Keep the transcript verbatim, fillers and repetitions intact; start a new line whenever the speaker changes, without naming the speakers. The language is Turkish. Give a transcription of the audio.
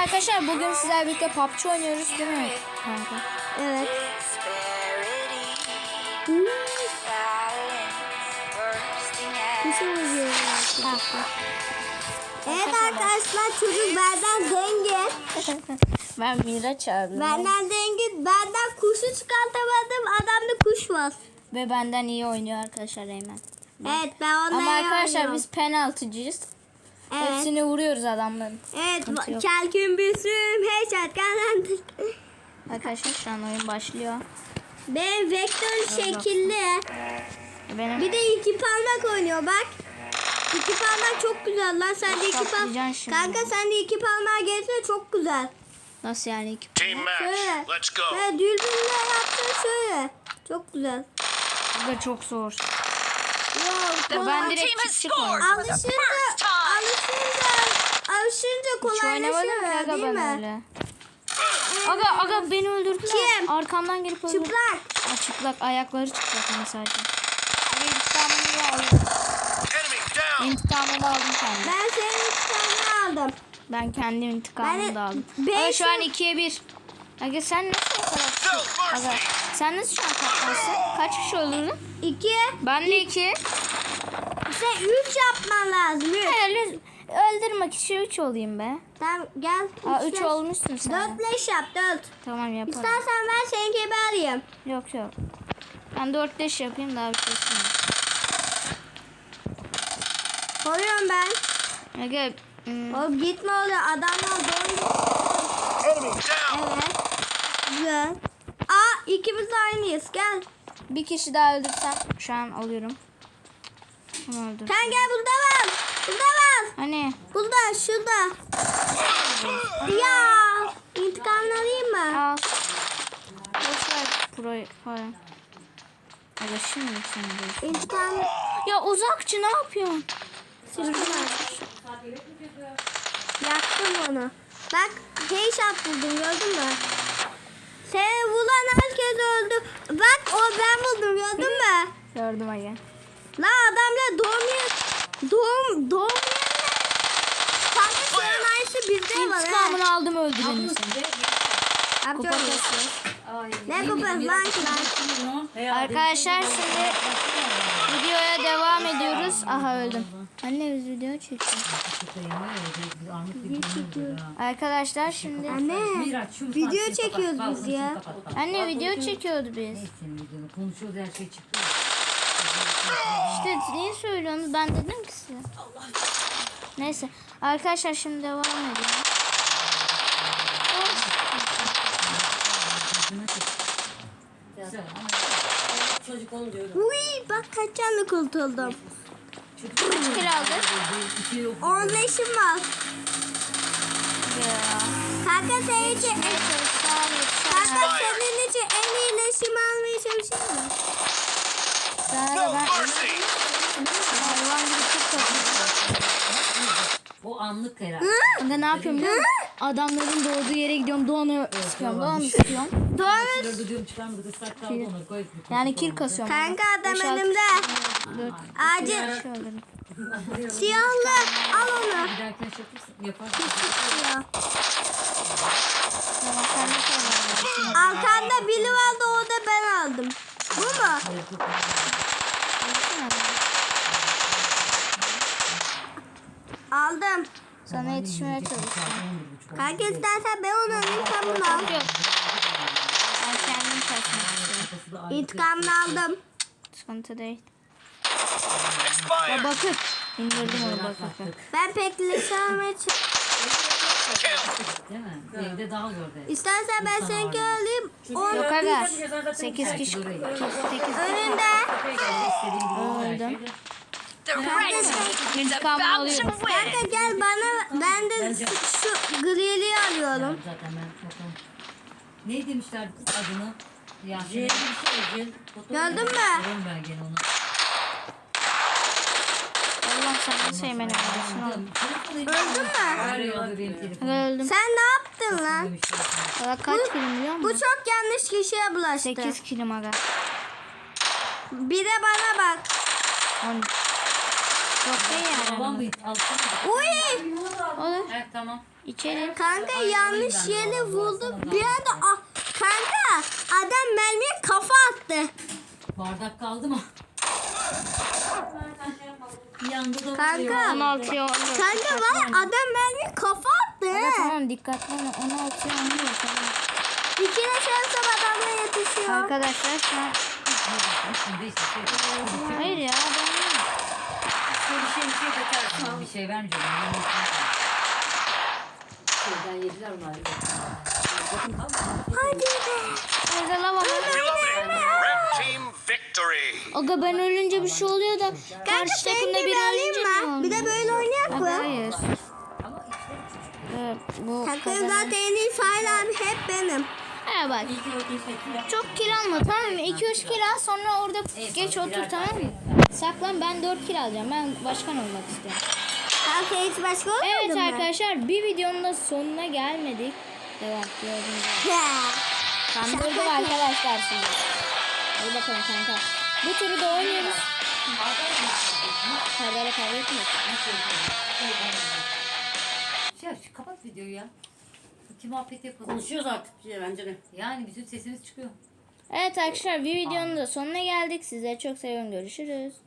arkadaşlar, bugün sizlerle birlikte P U B G oynuyoruz değil mi kanka?
Evet. Evet arkadaşlar, çocuk benden zengin.
Ben Miraç abi.
Benden zengin. Benden kuşu çıkartamadım. Adamda kuş var.
Ve benden iyi oynuyor arkadaşlar Eymen.
Evet, ben onunla
Ama
iyi
arkadaşlar
oynuyorum.
biz penaltıcıyız.
Evet.
Hepsini vuruyoruz adamların.
Evet.
Sıkıntı yok.
Kelkün büsüm. Headshot kazandık.
Arkadaşlar şu an oyun başlıyor.
Benim vektör şekilli.
Benim
Bir de iki parmak oynuyor bak. İki parmak çok güzel lan. Sen de iki
Saplayacaksın
parmak.
şimdi.
Kanka sen de iki parmağı gelsene, çok güzel.
nasıl yani iki?
Team match.
Şöyle.
Let's go.
Şöyle dürbünle yaptın şöyle. Çok güzel.
Bu da çok zor.
Wow,
Ben
kolay.
direkt çık çık oynadım.
Alışınca, alışınca, alışınca
Hiç oynamadım ki
kolaylaşıyor
aga
değil
ben
mi?
öyle. Aga aga beni öldürdüler.
Kim?
Arkamdan gelip öldürdü.
Çıplak.
Aa, çıplak ayakları çıplak hani sadece. Aga intikamımı aldım.
Enemy down.
İntikamımı aldım kendim.
Ben senin intikamını aldım.
Ben kendim intikamımı
Ben-
da aldım.
ben
Aga şu an
şu-
ikiye bir. Aga sen nasıl o kadar
No
Aga
mercy.
sen nasıl şu an kaplarsın? Kaç kişi öldürdün?
İki.
Ben de iki.
Sen üç yapman lazım. Üç.
Hayır, öldürme kişi üç olayım be.
Tamam gel.
Aa
üç
üç
yap.
olmuşsun sen.
Dört leş yap, dört.
Tamam yaparım.
İstersen ben senin gibi arayayım.
Yok yok. Ben dört beş yapayım daha bir şey istemiyorum.
Koruyorum ben.
Aga hmm,
Oğlum gitme oraya, adamlar doğru.
Enemy down.
Evet. Güzel. Aa, ikimiz de aynıyız, gel.
bir kişi daha öldürsem şu an alıyorum. Onu öldür.
Sen gel, burada var. Burada var.
Hani
Burada, şurada. Ya. İntikamını alayım mı?
al. Boş ver proyu falan. Aga şimdi sen de.
İntikam.
Ya uzakçı ne yapıyorsun?
Yaktım onu. Bak, headshot buldum, gördün mü? Seni vuran herkes öldü. Bak, o ben buldum, gördün mü?
Gördüm aga.
La adamla doğum yer, doğum, doğum yerine. Kanka senin aynısı bizde var ha.
İntikamını aldım öldürelim seni. Kupa
Yapacağım.
kasıyor.
Ne kupası lan lan?
Arkadaşlar şimdi videoya devam ediyoruz. Aha öldüm. Anne biz video çekiyoruz. Arkadaşlar şimdi
Anne, video çekiyoruz biz ya.
anne video çekiyordu biz.
Konuşuyoruz, her şey çıktı.
İşte niye söylüyorsunuz? Ben dedim ki size. Neyse. Arkadaşlar şimdi devam edelim.
Çocuk onu diyorum.
Uy, bak kaç canlı kurtuldum.
Kaç kilo aldık?
On leşim var.
Ya.
Kanka senin için en, kanka senin için en iyi leşimi almaya çalışayım mı?
Sana
No
da ben
mercy.
hayvan gibi çok korkuyorum.
O anlık herhalde.
Aga ne yapıyorum biliyor musun? Adamların doğduğu yere gidiyorum. Doğanı sıkıyorum. Doğanı sıkıyorum.
Doğru.
Dördü diyorum çıkarmadık, ıslak kaldı onu koy.
Yani kill kasıyorum.
Kanka adam
Beş, altı,
önümde.
dört,
Acil.
beş öldürdüm.
Siyahlı. Al onu.
Bir dahakine şey yaparsın, yaparsın.
Ya.
Tamam sen de söyle.
Arkanda biri vardı, o da ben aldım. Bu mu? Aldım.
Sana yetişmeye çalışıyorum.
Kanka istersen ben onu alayım, sen bunu al.
Yok. Ben kendim kaçmak istiyorum.
İntikamını aldım.
Sıkıntı değil. Ya
Expired.
bakıp indirdim onu bakıp.
Ben pek leş almaya çalışıyorum.
Kill.
Değil mi? Evde dal gördü.
İstersen ben seninki alayım. On
Yok aga. sekiz kişi. sekiz
önünde.
öldüm.
The red team is
İntikamını
about to
alıyorum.
win.
Kanka gel bana, ben de şu, şu grili alıyorum.
Zaten ben fotoğraf. Ne demişler adını? Yasemin.
Gördün mü?
Görüyorum ben gene onu.
Allah sana sevmeni versin oğlum.
Öldün mü?
Arıyordu benim telefonum.
Öldüm.
Sen ne yaptın lan?
Valla kaç kilim biliyor
Bu
musun?
çok yanlış kişiye bulaştı.
sekiz kilim aga.
Bir de bana bak.
on. Çok değil yani.
Babam mı? Alsana.
Uy!
Olur.
Evet tamam.
İçeri.
Kanka yanlış yere vurdu. Bir anda ah, kanka adam mermiye kafa attı.
Bardak kaldı mı? Yandı da
Kanka.
vuruyor.
on altıya on.
Kanka var ya, adam mermiye kafa attı.
Evet, tamam dikkatli olun. on altıya on diyor. Tamam.
İkine şansım adamla yetişiyor.
Arkadaşlar şu an.
Şimdi işte şey-
Hayır ya ben
Bir şey bir şey kaçarsın. Bir şey vermeyeceğim. Şeyden yediler onlar.
Hadi be.
orada lava var.
Reloading. Red team victory.
Aga ben ölünce bir şey oluyor da
Kanka
karşı
senin
takımda
gibi
biri
alayım
ölünce ne
mı? Bir de
oluyor?
böyle oynayak
Aga
mı?
hayır.
Ama içleri çocuk.
Evet, bu
Kanka
kazanan-
zaten en iyi fail abi hep benim.
Ha bak. Çok kill alma tamam mı? iki üç kill al sonra orada geç otur tamam mı? Saklan ben dört kill alacağım. Ben başkan olmak istiyorum.
Kanka hiç başka olmadı
Evet
mı?
arkadaşlar bir videonun da sonuna gelmedik. Devam gördüğünüz gibi.
Ya.
Kandırdım
Şaka
arkadaşlar sizi. Hadi bakalım kanka. Bu turu da oynuyoruz. Kavgayla kavga etmiyoruz.
Şey yap, kapat videoyu ya. İki muhabbet yapalım.
Konuşuyoruz artık ya, bence de.
Yani bizim sesimiz çıkıyor.
Evet arkadaşlar bir videonun da sonuna geldik. Sizleri çok seviyorum. Görüşürüz.